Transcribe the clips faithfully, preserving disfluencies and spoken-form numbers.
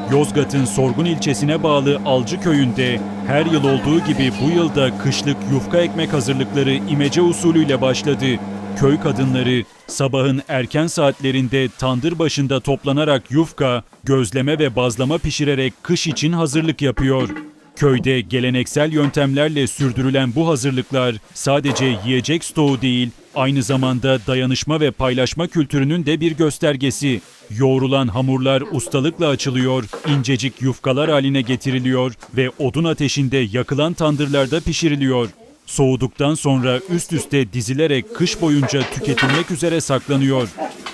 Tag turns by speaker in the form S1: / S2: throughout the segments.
S1: Yozgat'ın Sorgun ilçesine bağlı Alcı köyünde her yıl olduğu gibi bu yılda kışlık yufka ekmek hazırlıkları imece usulüyle başladı. Köy kadınları sabahın erken saatlerinde tandır başında toplanarak yufka, gözleme ve bazlama pişirerek kış için hazırlık yapıyor. Köyde geleneksel yöntemlerle sürdürülen bu hazırlıklar sadece yiyecek stoğu değil, aynı zamanda dayanışma ve paylaşma kültürünün de bir göstergesi. Yoğrulan hamurlar ustalıkla açılıyor, incecik yufkalar haline getiriliyor ve odun ateşinde yakılan tandırlarda pişiriliyor. Soğuduktan sonra üst üste dizilerek kış boyunca tüketilmek üzere saklanıyor.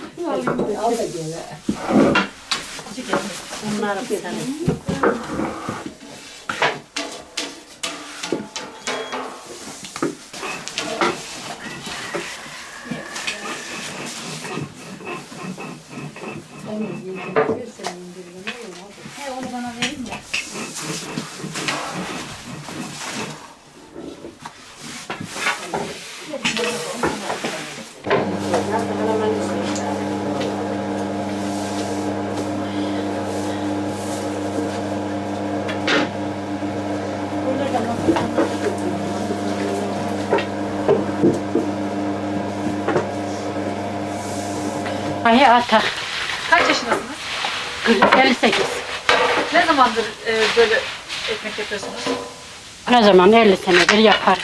S2: He, onu bana verin de.
S3: Ay atak.
S2: Kaç yaşındasınız?
S3: elli sekiz.
S2: Ne zamandır e, böyle ekmek yapıyorsunuz?
S3: Ne zaman elli senedir yapar.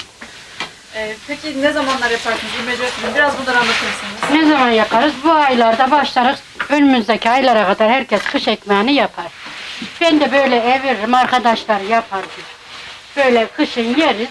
S2: E, peki ne zamanlar yaparsınız? İmece usulü. Biraz bunları anlatır mısınız?
S3: Ne zaman yaparız? Bu aylarda başlarız. Önümüzdeki aylara kadar herkes kış ekmeğini yapar. Ben de böyle eviririm, arkadaşlar yapar. Böyle kışın yeriz.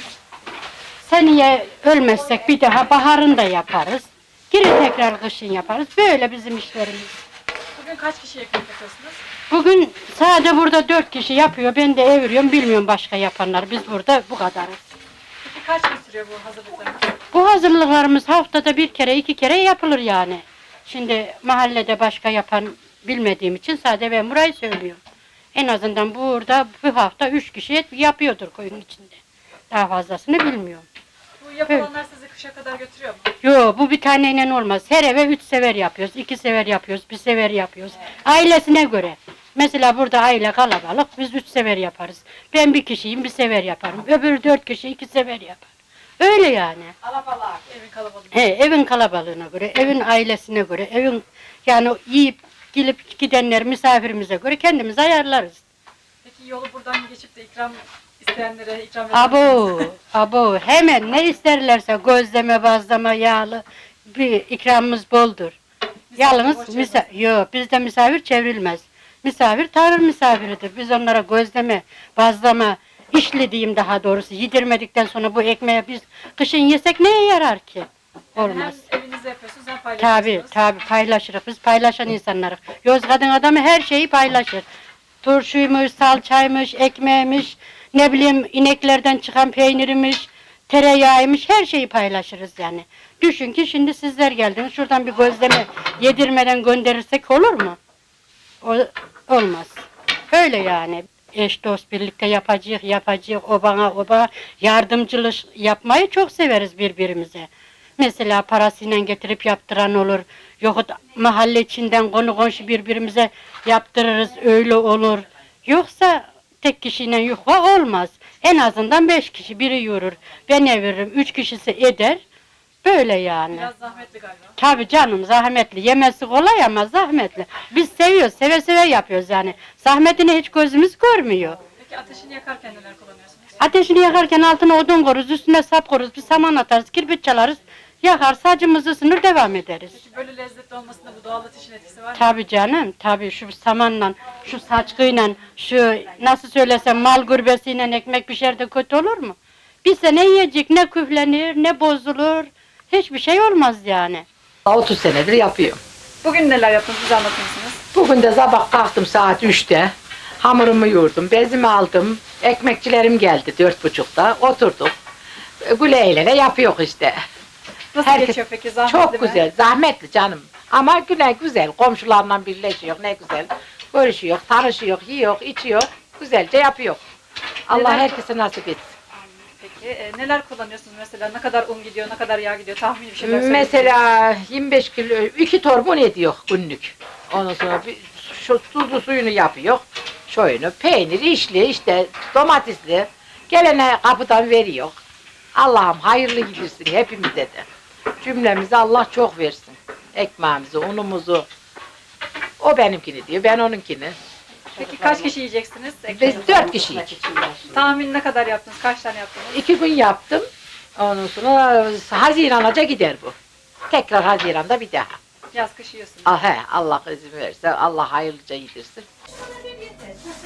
S3: Seneye ölmezsek bir daha baharın da yaparız. Geri tekrar kışın yaparız. Böyle bizim işlerimiz.
S2: Bugün kaç kişi ekmek yapıyorsunuz?
S3: Bugün sadece burada dört kişi yapıyor. Ben de eviriyorum. Bilmiyorum başka yapanlar. Biz burada bu kadarız.
S2: Peki kaç gün sürüyor bu hazırlıklarınız?
S3: Bu hazırlıklarımız haftada bir kere, iki kere yapılır yani. Şimdi mahallede başka yapan bilmediğim için sadece ben burayı söylüyorum. En azından burada bu hafta üç kişi yapıyordur koyun içinde. Daha fazlasını bilmiyorum.
S2: Bu yapılanlar sizi kışa kadar götürüyor mu?
S3: Yo, bu bir taneyle olmaz. Her eve üç sever yapıyoruz, iki sever yapıyoruz, bir sever yapıyoruz. Ailesine göre. Mesela burada aile kalabalık, biz üç sever yaparız. Ben bir kişiyim, bir sever yaparım. Öbürü dört kişi, iki sever yapar. Öyle yani.
S2: Alabalık, evin kalabalığı.
S3: He, evin kalabalığına göre, evin ailesine göre, evin yani yiyip gelip gidenler misafirimize göre kendimiz ayarlarız.
S2: Peki yolu buradan geçip de ikram isteyenlere ikram eder
S3: Abo,
S2: misiniz?
S3: abo hemen ne isterlerse gözleme, bazlama, yağlı bir ikramımız boldur. Yalnız
S2: borç
S3: misa yok, bizde misafir çevrilmez. Misafir Tanrı misafiridir. Biz onlara gözleme, bazlama, işli diyeyim daha doğrusu yedirmedikten sonra bu ekmeği biz kışın yesek neye yarar ki? Olmaz.
S2: Hem evinizde yapıyorsunuz hem
S3: Tabi
S2: paylaşıyorsunuz.
S3: tabi paylaşırız. Biz paylaşan insanlarız. Yozgat'ın adamı her şeyi paylaşır. Turşuymuş, salçaymış, ekmeğiymiş, ne bileyim ineklerden çıkan peynirmiş, tereyağıymış her şeyi paylaşırız yani. Düşün ki şimdi sizler geldiniz şuradan bir gözleme yedirmeden gönderirsek olur mu? O, olmaz. Öyle yani. Eş dost birlikte yapacağız, yapacağız, o bana, o bana yardımcılık yapmayı çok severiz birbirimize. Mesela parasıyla getirip yaptıran olur. Yahut mahalle içinden konu komşu birbirimize yaptırırız, öyle olur. Yoksa tek kişiyle yufka olmaz. En azından beş kişi biri yürür. Ben eviririm, üç kişisi eder. Böyle yani.
S2: Biraz zahmetli galiba.
S3: Tabii canım zahmetli. Yemesi kolay ama zahmetli. Biz seviyoruz, seve seve yapıyoruz yani. Zahmetini hiç gözümüz görmüyor.
S2: Peki ateşini yakarken neler kullanıyorsunuz?
S3: Ateşini yakarken altına odun koruz, üstüne sap koruz, bir saman atarız, kirpit çalarız. Yakar, sacımızı ısınır, devam ederiz.
S2: Peki böyle lezzetli olmasında bu doğal ateşin etkisi var mı?
S3: Tabii canım, tabii şu samanla, şu saçkıyla, şu nasıl söylesem mal gürbesiyle ekmek pişer de kötü olur mu? Bir sene yiyecek, ne küflenir, ne bozulur, hiçbir şey olmaz yani.
S4: otuz senedir yapıyorum.
S2: Bugün neler yaptınız bize anlatır mısınız?
S4: Bugün de sabah kalktım saat üçte. Hamurumu yoğurdum, bezimi aldım. Ekmekçilerim geldi dört buçukta. Oturduk. Güle eğlene yapıyor işte.
S2: Nasıl
S4: Herkes-
S2: geçiyor peki? Zahmetli
S4: Çok
S2: mi?
S4: güzel, zahmetli canım. Ama güne güzel, komşularla birleşiyor, ne güzel. Görüşüyor, tanışıyor, yiyor, içiyor. Güzelce yapıyor. Allah
S2: Neden-
S4: herkese nasip etsin.
S2: Peki e, neler kullanıyorsunuz mesela? Ne kadar un gidiyor, ne kadar yağ gidiyor? Tahmini bir şeyler söyleyin.
S4: Mesela yirmi beş kilo, iki torba un ediyor günlük. Ondan sonra bir, şu tuzlu suyunu yapıyor. Şöyle peynir, işli, işte domatesli. Gelene kapıdan veriyor. Allah'ım hayırlı gidirsin hepimize de. Cümlemize Allah çok versin. Ekmeğimizi, unumuzu. O benimkini diyor, ben onunkini.
S2: Peki kaç kişi yiyeceksiniz?
S4: Biz
S2: ekmeğinizi?
S4: dört kişiyiz.
S2: Tahmin ne kadar yaptınız? Kaç tane yaptınız?
S4: İki gün yaptım. Ondan sonra Haziran'a gider bu. Tekrar Haziran'da bir daha.
S2: Yaz kış yiyorsunuz.
S4: Ah, he, Allah izin verirse Allah hayırlıca yedirsin.